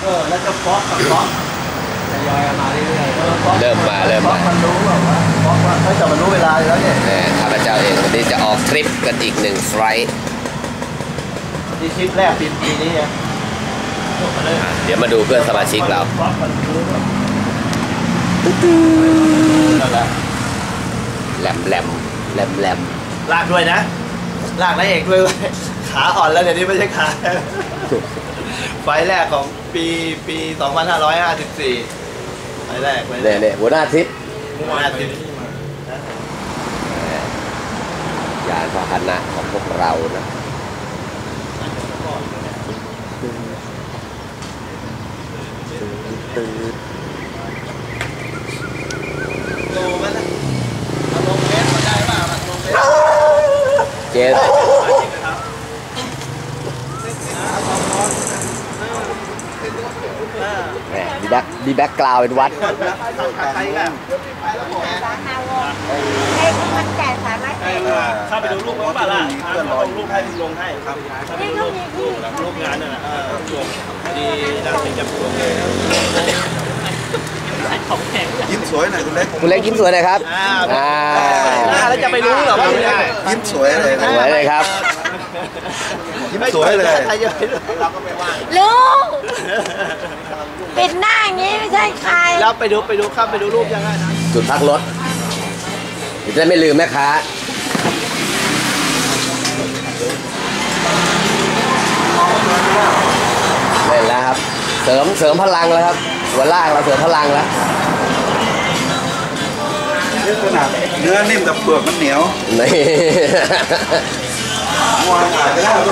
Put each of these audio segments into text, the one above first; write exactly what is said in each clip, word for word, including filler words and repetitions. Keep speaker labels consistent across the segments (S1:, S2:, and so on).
S1: ออแล้วก็ฟอกกับฟอกทยอยมาเรื่อยๆ
S2: เริ่มมาเริ่มมา
S1: มันรู้แบบว่าฟอกว่าเขาจะมันรู้เวลาแล้วเนี่ย
S2: ข้าพเจ้าเองวันนี้จะออกทริปกันอีกหนึ่งไฟล์
S1: ที่ทริปแรกปีปีนี้เนี่ย
S2: เดี๋ยวมาดูเพื่อนสมาชิกเราแหลมแหลมแหลมแหลม
S1: ลากด้วยนะลากนายเอกด้วยขาอ่อนแล้วเดี๋ยวนี้ไม่ใช่ขาไฟแรกของปีปีสองพันห้าร้อยห้าสิบสี่ไฟแรก
S2: เนี่ยเนี่ยหัวหน้าทริป
S1: หัวหน้าทริป
S2: ยานพาหนะของพวกเรานะ
S1: โลมันนะลงเมตรมาได้ป่ะลงเมตร
S2: เจ็ดดีแบ็คดีแบ็คกราวเป็นวัด
S3: ให้มันแก่สามารถ
S1: เข้าไปดูรูปเขาป่ะล่ะลงรูปให้ลงให้ครับรูปรูปงานน่ะลงดีน่าจะจับตัวเลย
S4: ยิ้มสวยหน่อยคุณเล็ก
S2: คุณเล็กยิ้มสวยหน่อยครับ
S1: อ่าแล้วจะไปรู้เหรอว่า
S4: ยิ้มสวยเลย
S2: สวยเลยครับ
S4: ยิ้มสวยเลย
S1: ใครจะไปรู้เราก็ไม่ว่า
S3: ลุงปิดหน้าอย่างนี้ไม่ใช่ใคร
S1: แล้วไปดูไปดูครับไปดูรูปยังไงนะ
S2: จุดพักรถจะได้ไม่ลืมแม่ค้าเล่นแล้วครับเสริมเสริมพลังแล้วครับหัวล่างเราเสริมพลังแล้ว
S4: เนื้อขนาดเนื้อนิ่มแต่เปลือกมันเหนียว
S2: นี่
S4: มวนขายไปแล้ว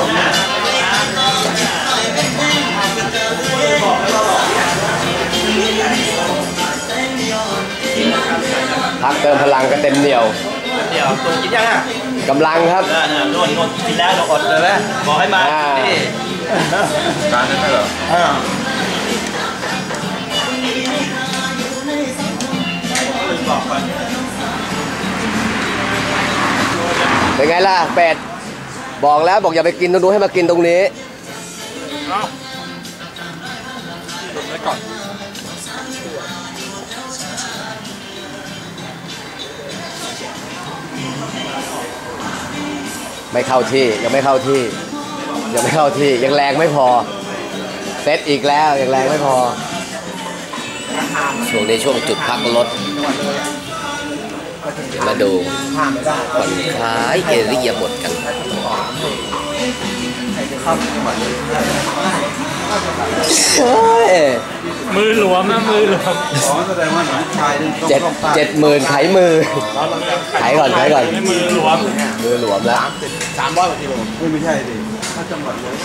S2: พักเติมพลังก็เต็มเหนียว
S1: เดี๋ยวตัวกินยังอ่ะ
S2: กำลังครับ
S1: โน่นโน่นกินแล้วเราอดเลยไหมบอกให้มานี่
S4: การนั้นเหรอ
S2: เป็นไงล่ะเป็ดบอกแล้วบอกอย่าไปกินตรงนู้นให้มากินตรงนี้ไม่เข้าที่ยังไม่เข้าที่ยังไม่เข้าที่ยังแรงไม่พอเซตอีกแล้วยังแรงไม่พอช่วงนี้ช่วงจุดพักรถมาดูผ่อนคลายเอริยาบทกัน
S1: มือหลวมนะมือหลวม
S2: เจ็ดเจ็ดหมื่นไขมือไขก่อนไขก่อน
S1: มือหลวม
S2: มือหลวมแล้ว
S1: สามร้อยกว่ากิโล
S4: ไม่ใช่ดิถ้าจังหวัดเลย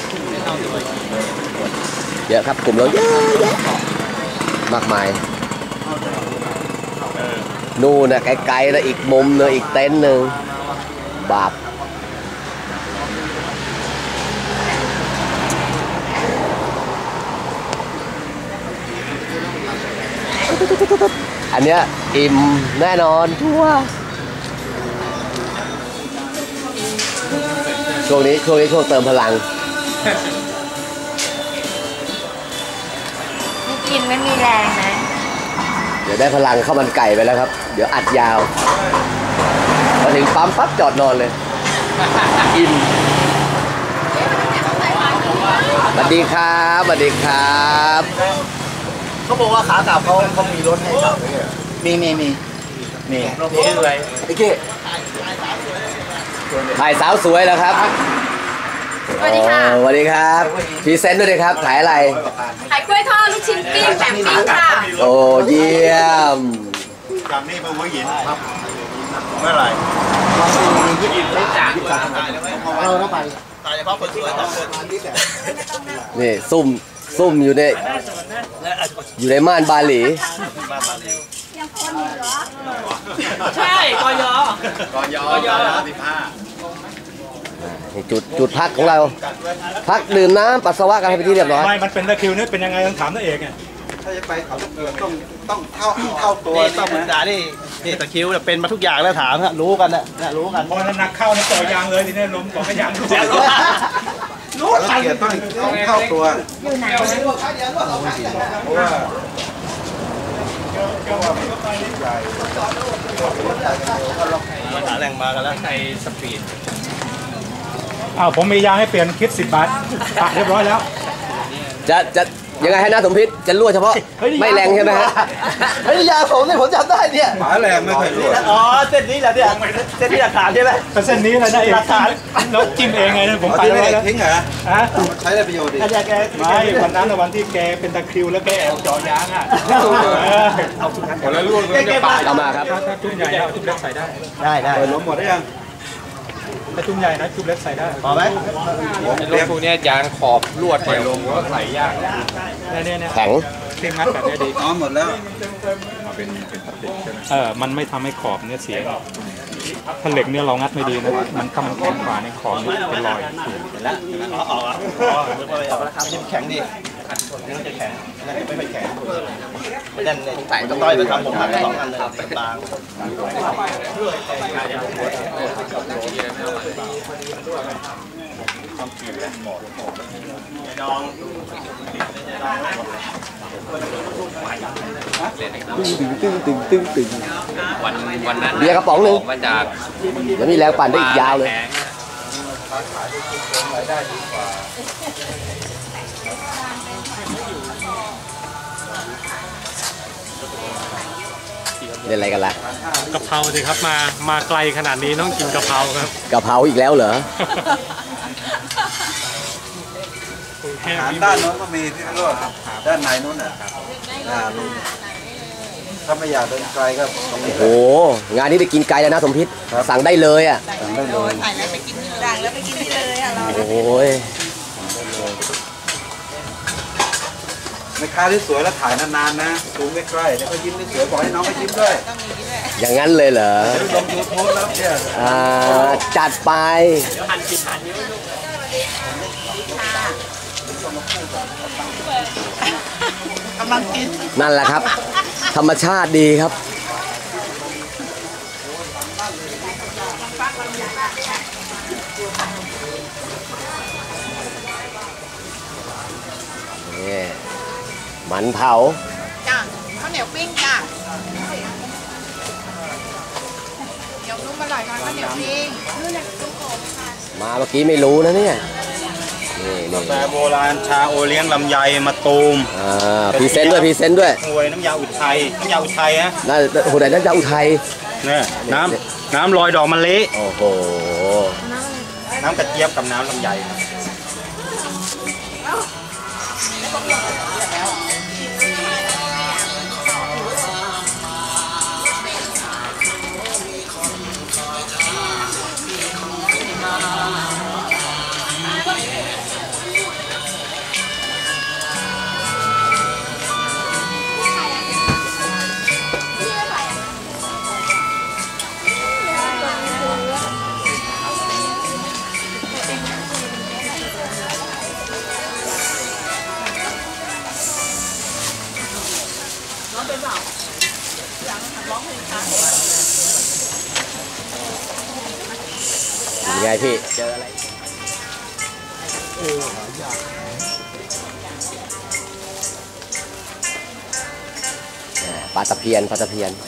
S2: เยอะครับกลุ่มเราเยอะแยะมากมายนู่นนะไกลๆนะอีกมุมนึงอีกเต็นท์หนึ่งบาปอันเนี้ยอิ่มแน่นอนชัวร์ช่วงนี้ช่วงนี้ช่วงเติมพลัง
S3: ไม่กินไม่มีแรงนะ
S2: เดี๋ยวได้พลังข้าวมันไก่ไปแล้วครับเดี๋ยวอัดยาวมาถึงปั๊มปั๊บจอดนอนเลยอิ่มสวัสดีครับสวัสดีครับ
S1: เขาบอกว่าขากลับเขาเขามีรถให้กลับมีมีมีมีชื่ออะไร
S2: ไอ้เก้ถ่ายสาวสวยแล้วครับ
S3: สวัสดีค่ะ
S2: สวัสดีครับพรีเซนต์ด้วยครับถ่ายอะไร
S3: ขายกล้วยทอดลูกชิ้นปิ้งแบบปิ้งค่ะ
S2: โอ้เยี่ยม
S4: จากนี้มาหัวหินครับเมื่อไหร่
S1: หัวหินไม่จ่ายเราต้องไปตายเฉพาะคนสวยต้องคน
S2: นี่ซุ่มซุ่มอยู่ในอยู่ในม่านบาหลี
S1: ใช่กอยอกอยอกอยสิบห้า
S2: จุดจุดพักของเราพักดื่มน้ำปัสสาวะกันให้ไปที่เรียบร้อย
S5: ไม่มันเป็นตะคิวนี่เป็นยังไงต้องถามตัวเองไง
S4: ถ้าจะไปเขาต้องต้องเท่าเท่าตัว
S1: นี่ต้องศึกษานี่นี่ตะคิวเป็นมาทุกอย่างแล้วถามรู้กันนะรู้กัน
S5: พอนักเข้าในต่อยางเลยทีนี้ล้มต่อยาง
S4: ละเอียดต้องต้องเท่าตัว
S3: อยู่ไหน
S4: เพราะว่า
S1: มาหาแหล่งมากันแล้ว
S5: อ้าวผมมียางให้เปลี่ยนคิดสิบบาทปะเรียบร้อยแล้ว
S2: จะจะยังไงให้น้าสมพิษจะรั่วเฉพาะไม่แรงใช่ไหมฮะ
S1: เฮ้ยยาผมเนี่ยผมจำได้เนี่ย
S4: ฝาแรงไม่เคยรั่ว
S1: อ๋อเส้นนี้แหละเนี่ยเส้นนี้หลักฐานใช่ไหม
S5: ก็เส้นนี้เลยนะเอง
S1: หลักฐาน
S5: แล้วจิ้มเองไงนะผม
S4: เอา
S5: ไป
S4: ที่ไม่
S5: แล้ว
S4: ได้ทิ้งเหรอ
S5: ฮะ
S4: ใช้ได้ประโยชน์ดิ
S1: อาจารย์แก
S5: ไม่วันนั้นน่ะวันที่แกเป็นตะคริวแล้วแกแอบเจาะยางอ่ะเอาทุกนั้น
S4: หมดแล้วรั่วมันจะปาด
S2: เอามาครับ
S5: ถ้าถ้าจุ่มใหญ่เอาจุ่มเล็กใส่ได้
S1: ได้ได้
S4: เปิดล้มหมดได้ยัง
S5: ถ้าจุ่มใหญ่นะจุ่มเล็กใส่ได้
S1: พอไหม
S6: รถพวกเนี้ยยางขอบลวดเนี่ยลงก็ใส่ยาก
S5: เนี่ยเนี่ยเนี่ย
S2: แข็ง
S5: ครีมงัดแบบนี้ดี
S4: อ๋อหมดแล้ว
S5: เออมันไม่ทำให้ขอบเนี่ยเสียหรอกถ้าเหล็กเนี่ยเรางัดไม่ดีนะมันถ้ามันแข็งกว่าในยขอบเนี่ยเป็นรอยเห็นแล้ว
S1: อ๋ออ๋ออ๋อนึกว่าไปเอาราคาที่แข็งดีนี่มันจะแข็งนั่นไม่ค่อยแข็งนั่นเนี่ยใส่ต้อยไปทำผมหักสองอันเลยบางน้อง
S2: ตึ้งตึ้งตึ้งตึ้ง
S6: วันวันนั้น
S2: เบียร์กระป๋องหนึ่ง
S6: มาจาก
S2: เดี๋ยวมีแรงปั่นได้อีกยาวเลย
S6: แพง
S2: เล่นอะไรกันล่ะ
S7: กะเพราสิครับมามาไกลขนาดนี้ต้องกินกะเพราครับ
S2: กะเพราอีกแล้วเหรอ
S4: หารด้านโน้นก็มีที่รั่วด้านในนู้นน่ะอ่าลุงถ้าไม่อยากเดินไกลก็ตรงนี้
S2: โอ้โหงานนี้ไปกินไกลแล้วนะสมพิษสั่งได้เลยอ่ะ
S4: สั่งได้เลย
S3: ถ่ายแล้วไปกินดังแล้วไปกินที่เลยอ่ะเรา
S2: โอ้ย
S4: แม่ค้าที่สวยแล้วถ่ายนานๆนะซูมใกล้ๆแล้วก็ยิ้มสวยๆบอกให้น้องก็ยิ้มด้วย
S2: อย่างนั้นเลยเหรอ
S4: เดี๋ยวลงยูทูบแล้วเนี่ย
S2: อ่าจัดไปกำลังกินนั่นแหละครับ ธรรมชาติดีครับนี่มันเผา
S3: จ้ะข้าวเหนียวปิ้งจ้ะเหนียวนุ่มอร่อยค่ะข้าวเหนียวปิ้ง
S2: มาเมื่อกี้ไม่รู้นะเนี่ยนี่นี่
S4: แต่โบราณชาโอเลี้ยงลำไยมาตูม
S2: อ่าพรีเซนต์ด้วยพรีเซนต์ด้วย
S4: หวยน้ำยาอุทัยน้ำยาอุทัยฮะ
S2: น่าโอ้โหไหนน่าจะอุทัย
S4: เนี่ยน้ำน้ำลอยดอกมะลิ
S2: โอ้โห
S4: น้ำกระเจี๊ยบกับน้ำลำไย
S2: ยังไงพี่เจออะไรปลาตะเพียนปลาตะเพียน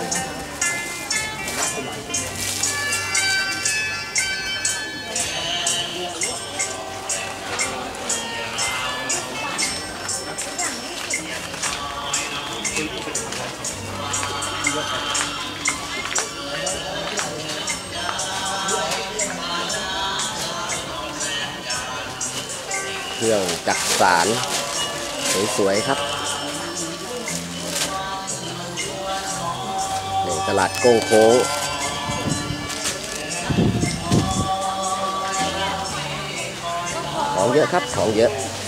S2: เครื่องจักสานสวยๆครับนี่ตลาดโก้งโค้งของเยอะครับของเยอะ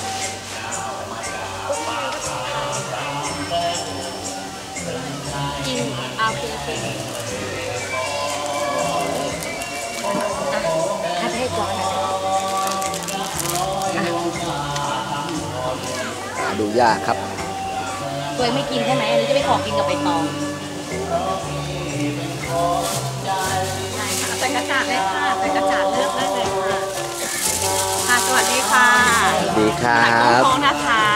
S2: ดูยากครับ
S3: ตัวเองไม่กินใช่ไหมอันนี้จะไปขอกินกับใบตองใส่กระจาดเลยค่ะใส่กระจาดเลือกได้เลยค่ะค่ะสวัสวัสดีค่ะ
S2: สวัสดีครั
S3: จาก
S2: บ
S3: โค้งนะคะ